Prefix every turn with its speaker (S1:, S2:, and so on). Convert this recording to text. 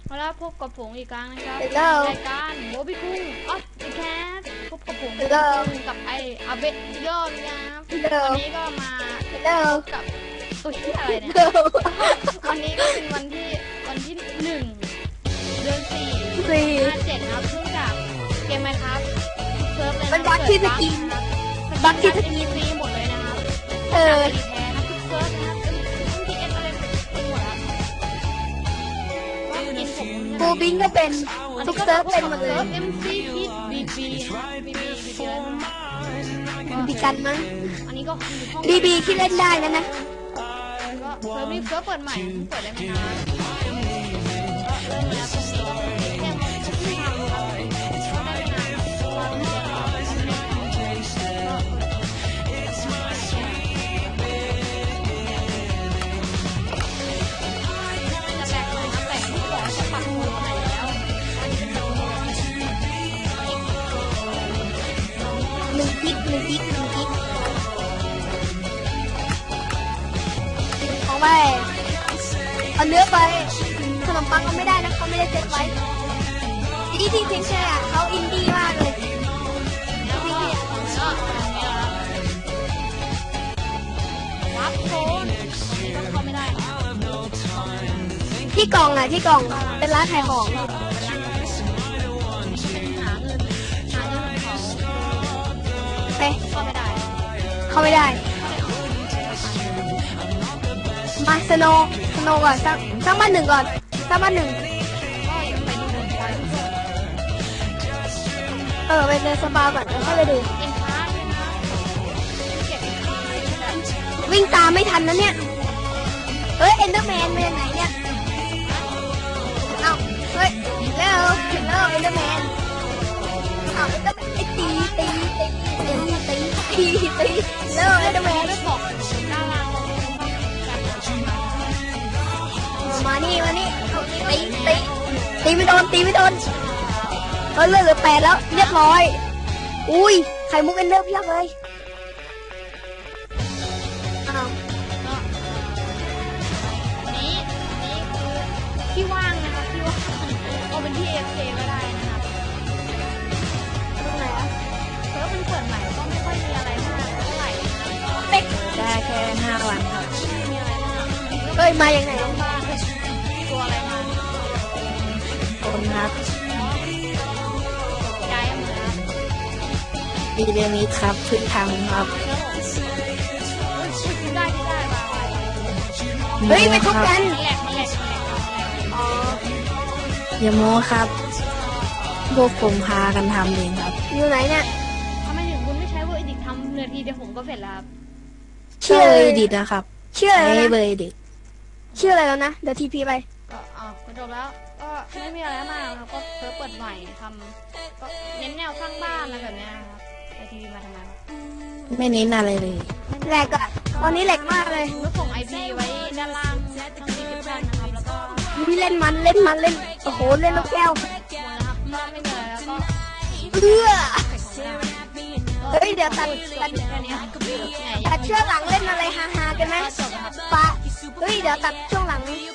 S1: มาแล้วพบกับผมอีกครั้งนะครับ
S2: Hello
S1: รายการโมบิคุงออฟเดอะแคสพบกับผม
S2: Hello
S1: กับไออาเบะยอดนะครับ
S2: Hello
S1: วันนี้ก็มา
S2: Hello
S1: กับตัวที่อะไรเนี่ย วันนี้ก็เป็นวันที่1 เดือน 4 57นะครับเนื่องจากเกมไหมครับเซิร์ฟเลย
S2: มันบั๊กที่สกิน บั๊กที่สกิน
S1: ฟรีหมดเลยนะครับ
S2: เออ
S1: แพ้นะทุกเซิร์ฟนะครับเป็นทีเอสอะไรไปหมดครับว่ากินผม
S2: บูบิงก็เป็นทุกเซิร์ฟเป็นหมดเลย
S1: เอ็มซีพีบีบีอะไร
S2: บีกันมั้ง
S1: อันนี้ก็คือห้อง
S2: บีบีที่เล่นได้นะ
S1: ก็เซิร์ฟนี้เซิร์ฟเปิดใหม่เปิดได้ไม่นานก็เริ่มแล้วตรงนี้แค่มันก็ที่ทำครับก็ได้ไม่นานวางเสียงเราก็ไม่ได้จะแบกเลยนะแบกที่บอกจะปักมือไหนแล้ว
S2: 1 กิกของไปเอาเนื้อไปขนมปังก็ไม่ได้นะเขาไม่ได้เซ็ตไว้ที่เพียงแค่เขาอินดี้มากเลย
S1: รับโซนก็เข้าไม่ได้
S2: ที่กล่องเป็นร้านขายของ
S1: เป็นหาเงินเขา
S2: ไป
S1: เข้าไม่ได้
S2: เข้าไม่ได้มาสโนก่อนสร้างบ้านหนึ่งก่อนสร้างบ้านหนึ่ง
S1: ก็ยังไปดูบนไฟทุกคน
S2: ไปเดินสปาก่อนแล้วค่อยไปดู
S1: เอ็นพาร์ทเลยนะเก็บ
S2: วิ่งตามไม่ทันนะเนี่ยเฮ้ยเอ็นเดอร์แมนมาจากไหนเนี่ยเอ้าเฮ้ยแล้วเอ็นเดอร์แมนเอ้าเอ็นเดอร์แมนตีแล้วเอ็นเดอร์แมน
S1: ไม่บอกดารา
S2: มานี่ตีไม่โดนเฮ้ยเหลือ8แล้วเรียบร้อยอุ้ยไข่มุกเอ็นเดอร์เพียบเลยอ้าว
S1: นี้คือที่ว่างนะครับที่ว่างเอาเป็นที่ AFK ก็ได้นะครับ
S2: ตรงไหนอะ
S1: เซิร์ฟมันเปิดใหม่ก็ไม่ค่อยมีอะไรมากเท่าไหร่นะครับ
S2: เป๊ก
S3: ได้แค่5 วันครับ
S1: ไม่มีอะไรมาก
S2: เฮ้ยมาอย่างไหน
S1: บ้านตัวอะไรมา
S3: คนครับ
S1: ย้ายมาครับ
S3: วีเดมิดครับเพึ่งทำครับ
S1: ได้มา
S2: เฮ้ยไปทุบกัน
S1: แหลก
S2: อ๋อ
S3: อย่าโม้ครับ พวกผมพากันทำเองครับ
S2: อยู่ไหนเนี่ย
S1: ทำไมถึงคุณไม่ใช้เวอร์ดิกทำเนื้อทีเดียวผมก็เสร็จแล้วครับ
S3: ชื่อเอดิตนะครับ
S2: ชื่ออะไร
S3: ใช้
S2: แล้ว
S3: เบอ
S2: นะ
S3: ร์เอดิต
S2: ชื่ออะไรแล้วนะเดี๋ยวทีพีไป
S1: ก็จบแล้วก็ไม่มีอะไรมากครับก็เซิร์ฟเปิดใหม่ทำก็เน้นแนวสร้างบ้านอะไรแบบนี้ครับไอทีวีมาทำไม
S3: ไม่เน้นอะไรเลย
S2: แหลกอะตอนนี้แหลกมากเลย
S1: แล้วส่ง IP ไว้ด้านล่างทางดีสคริปชั่นนะครับแล้วก็
S2: พี่เล่นโอ้โหเล่นลูกแก้ว
S1: หมดนะครับก็ไม่มีอะไรแล้วก็
S2: เฮ้ยเดี๋ยวตัด
S1: แค่นี้ไง
S2: ช่วงหลังเล่นอะไรฮาๆกันไหม
S1: จบนะครับ
S2: ปะเฮ้ยเดี๋ยวตัดช่วงหลัง